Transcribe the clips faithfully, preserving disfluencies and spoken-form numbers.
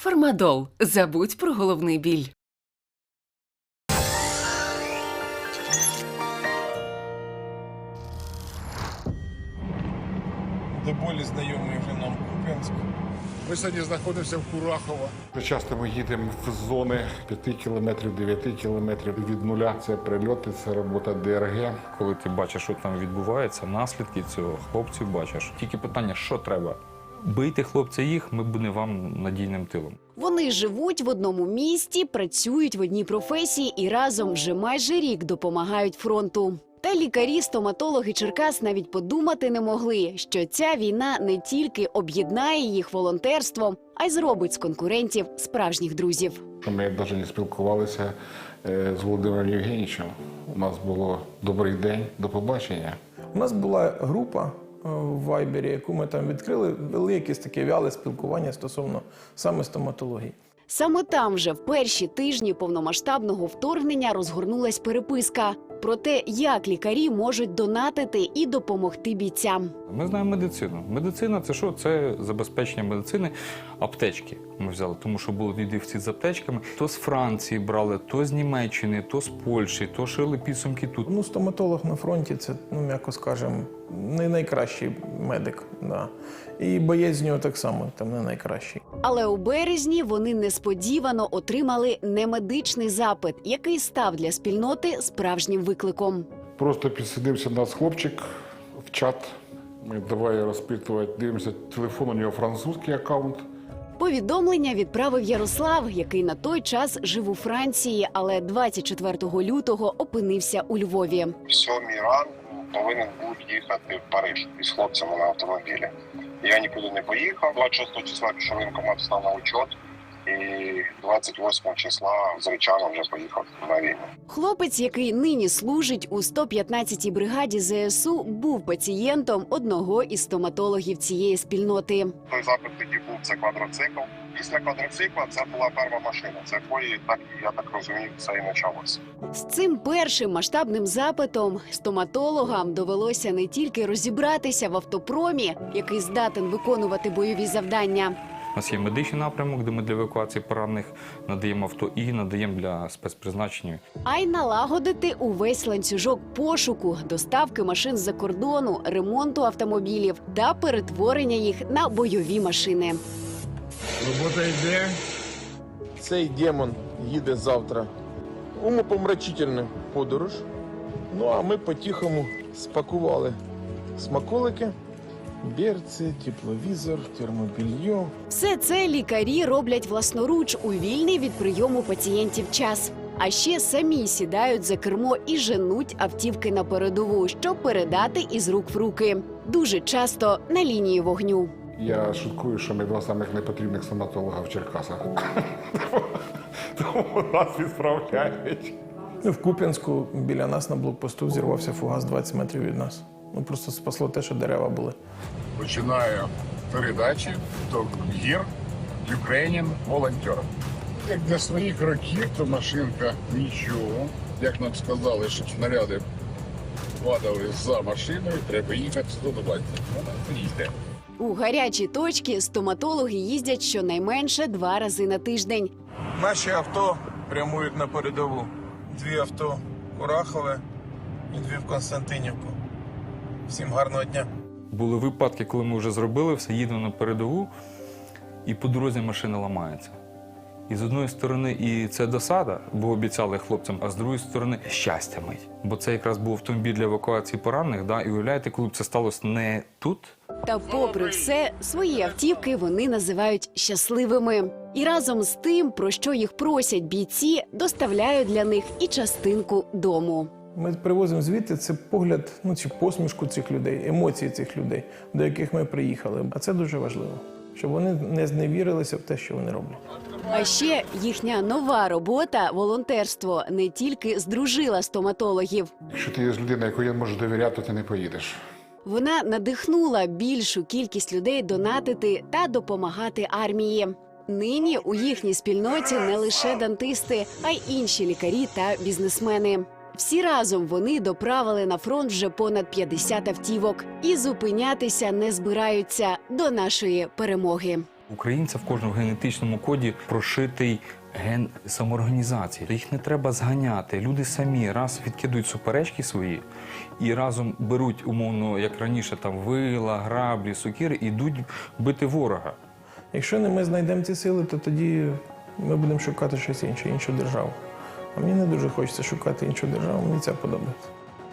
Фармадол. Забудь про головний біль. До болі знайомий вже нам Куп'янськ. Ми сьогодні знаходимося в Курахово. Часто ми їдемо в зони п'яти кілометрів, дев'яти кілометрів від нуля. Це прильоти, це робота ДРГ. Коли ти бачиш, що там відбувається, наслідки цього, хлопців бачиш. Тільки питання, що треба? Бийте, хлопця, їх, ми будемо вам надійним тилом. Вони живуть в одному місті, працюють в одній професії і разом вже майже рік допомагають фронту. Та лікарі, стоматологи Черкас навіть подумати не могли, що ця війна не тільки об'єднає їх волонтерством, а й зробить з конкурентів справжніх друзів. Ми навіть не спілкувалися з Володимиром Євгенійовичем. У нас було добрий день, до побачення. У нас була група в Вайбері, яку ми там відкрили, вели якесь таке вяле спілкування стосовно саме стоматології. Саме там вже в перші тижні повномасштабного вторгнення розгорнулась переписка про те, як лікарі можуть донатити і допомогти бійцям. Ми знаємо медицину. Медицина – це що? Це забезпечення медицини. Аптечки ми взяли, тому що були дідівці з аптечками. То з Франції брали, то з Німеччини, то з Польщі, то шили підсумки тут. Ну, стоматолог на фронті – це, ну, м'яко скажемо, не найкращий медик. Да. І боєць з нього так само, там не найкращий. Але у березні вони несподівано отримали немедичний запит, який став для спільноти справжнім викликом. Просто підсидився нас хлопчик в чат. Ми давай розпитувати, дивимося телефон, у нього французький аккаунт. Повідомлення відправив Ярослав, який на той час жив у Франції, але двадцять четвертого лютого опинився у Львові. В сьомій ранку повинен був їхати в Париж із хлопцями на автомобілі. Я нікуди не поїхав. двадцять шостого числа пішов воєнкомат, став на учет. І двадцять восьмого числа, звичайно, вже поїхав на війну. Хлопець, який нині служить у сто п'ятнадцятій бригаді ЗСУ, був пацієнтом одного із стоматологів цієї спільноти. Той запит тоді був, це квадроцикл. Після квадроцикла це була перша машина. Це якої, так, я так розумію, все і почалося. З цим першим масштабним запитом стоматологам довелося не тільки розібратися в автопромі, який здатен виконувати бойові завдання. У нас є медичний напрямок, де ми для евакуації поранених надаємо авто і надаємо для спецпризначення. А й налагодити увесь ланцюжок пошуку, доставки машин з-за кордону, ремонту автомобілів та перетворення їх на бойові машини. Робота йде. Цей демон їде завтра в умопомрачительну подорож. Ну, а ми по-тихому спакували смаколики, берці, тепловізор, термобільйо. Все це лікарі роблять власноруч у вільний від прийому пацієнтів час. А ще самі сідають за кермо і женуть автівки на передову, щоб передати із рук в руки. Дуже часто на лінії вогню. Я шуткую, що ми два самих непотрібних стоматолога в Черкасах. Тому нас відправляють. Ну, в Куп'янську біля нас на блокпосту взірвався фугас двадцять метрів від нас. Ну, просто спасло те, що дерева були. Починаю передачі до гір Українін волонтер. Як для своїх років, то машинка нічого. Як нам сказали, щоб снаряди падали за машиною, треба їхати сто двадцять. Вона їде. У гарячі точки стоматологи їздять щонайменше два рази на тиждень. Наші авто прямують на передову. Дві авто – Курахове і дві в Константинівку. Всім гарного дня. Були випадки, коли ми вже зробили все, їдемо на передову, і по дорозі машина ламається. І з одної сторони і це досада, бо обіцяли хлопцям, а з другої сторони щастя мить. Бо це якраз був автомобіль для евакуації поранених, да? І уявляєте, коли б це сталося не тут. Та попри все, свої автівки вони називають щасливими. І разом з тим, про що їх просять бійці, доставляють для них і частинку дому. Ми привозимо звідти це погляд, ну, чи посмішку цих людей, емоції цих людей, до яких ми приїхали. А це дуже важливо, щоб вони не зневірилися в те, що вони роблять. А ще їхня нова робота – волонтерство – не тільки здружила стоматологів. Якщо ти є людина, якої можеш довіряти, то ти не поїдеш. Вона надихнула більшу кількість людей донатити та допомагати армії. Нині у їхній спільноті не лише дантисти, а й інші лікарі та бізнесмени. Всі разом вони доправили на фронт вже понад п'ятдесят автівок і зупинятися не збираються до нашої перемоги. Українця в кожному генетичному коді прошитий ген самоорганізації. Їх не треба зганяти. Люди самі раз відкидують суперечки свої і разом беруть, умовно, як раніше, там вила, граблі, сокири, і йдуть бити ворога. Якщо не ми знайдемо ці сили, то тоді ми будемо шукати щось інше, іншу державу. А мені не дуже хочеться шукати іншу державу, мені це подобається.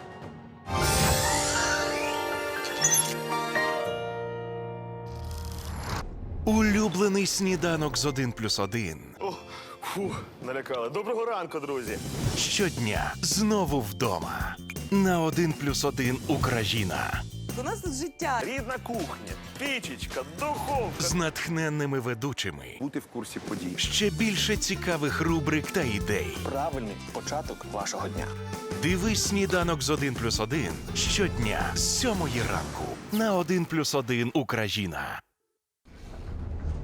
Улюблений сніданок з один плюс один. О, фу, налякали. Доброго ранку, друзі. Щодня знову вдома. На один плюс один Україна. У нас тут життя. Рідна кухня, пічечка, духовка. З натхненними ведучими. Бути в курсі подій. Ще більше цікавих рубрик та ідей. Правильний початок вашого дня. Дивись сніданок з один плюс один щодня з сьомої ранку. На один плюс один Україна.